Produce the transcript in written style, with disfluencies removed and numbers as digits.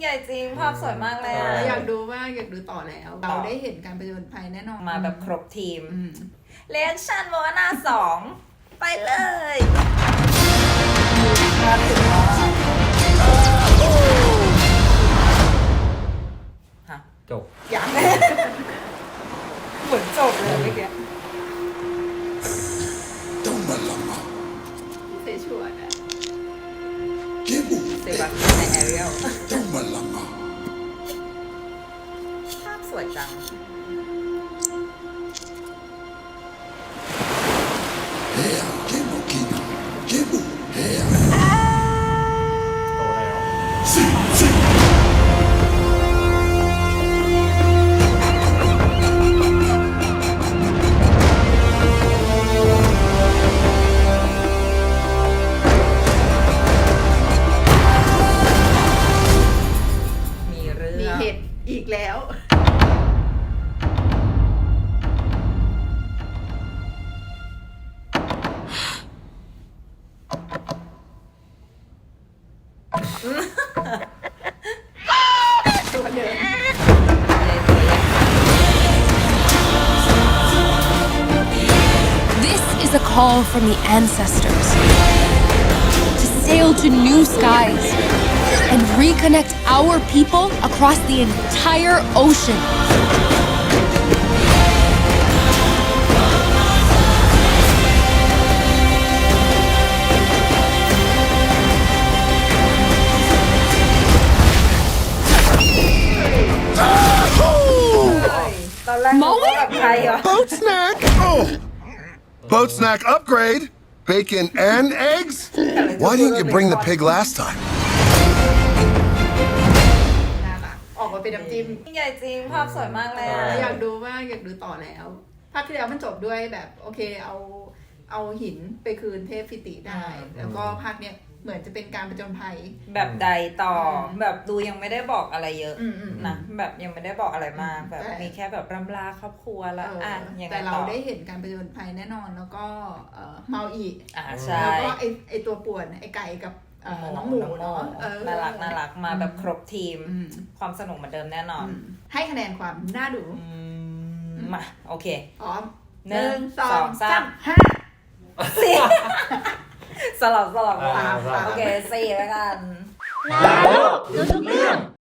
ใหญ่จริงภาพสวยมากเลยอ่ะอยากดูมากอยากดูต่อแล้วเราได้เห็นการผจญภัยแน่นอนมาแบบครบทีมเรียกชันโมนา2ไปเลยมาถึงแล้วฮะจบอย่างเหมือนจบเลยเมื่อกี้เซชวดอะเซบาสเตียนในแอเรียลภาพสวยจังโตแล้วมีเรื่องมีเห็ดอีกแล้วตัวเดิม This is a call from the ancestors to sail to new skies and reconnect our people across the entire ocean. Boat snack! Oh! Boat snack upgrade! Bacon and eggs? Why didn't you bring the pig last time? น่ารักออกมาเป็นน้ำจิ้มใหญ่จริงภาพสวยมากเลยอ่ะอยากดูมากอยากดูต่อแล้วภาคที่แล้วมันจบด้วยแบบโอเคเอาหินไปคืนเทพฟิติได้ แล้วก็ภาคเนี้ยเหมือนจะเป็นการผจญภัยแบบใดต่อแบบดูยังไม่ได้บอกอะไรเยอะอืมนะแบบยังไม่ได้บอกอะไรมากแบบแต่มีแค่แบบรำลาครอบครัวแล้วยังไงแต่เราต่อได้เห็นการผจญภัยแน่นอนแล้วก็เมาอีกใช่แล้วก็ไอตัวป่วนไอไก่กับน้องหมูเนาะน่ารักมาแบบครบทีม ความสนุกเหมือนเดิมแน่นอนให้คะแนนความน่าดูมาโอเคพร้อม 1 2 3 5 4สลับอ่าโอเค4แล้วกันดูทุกเรื่อง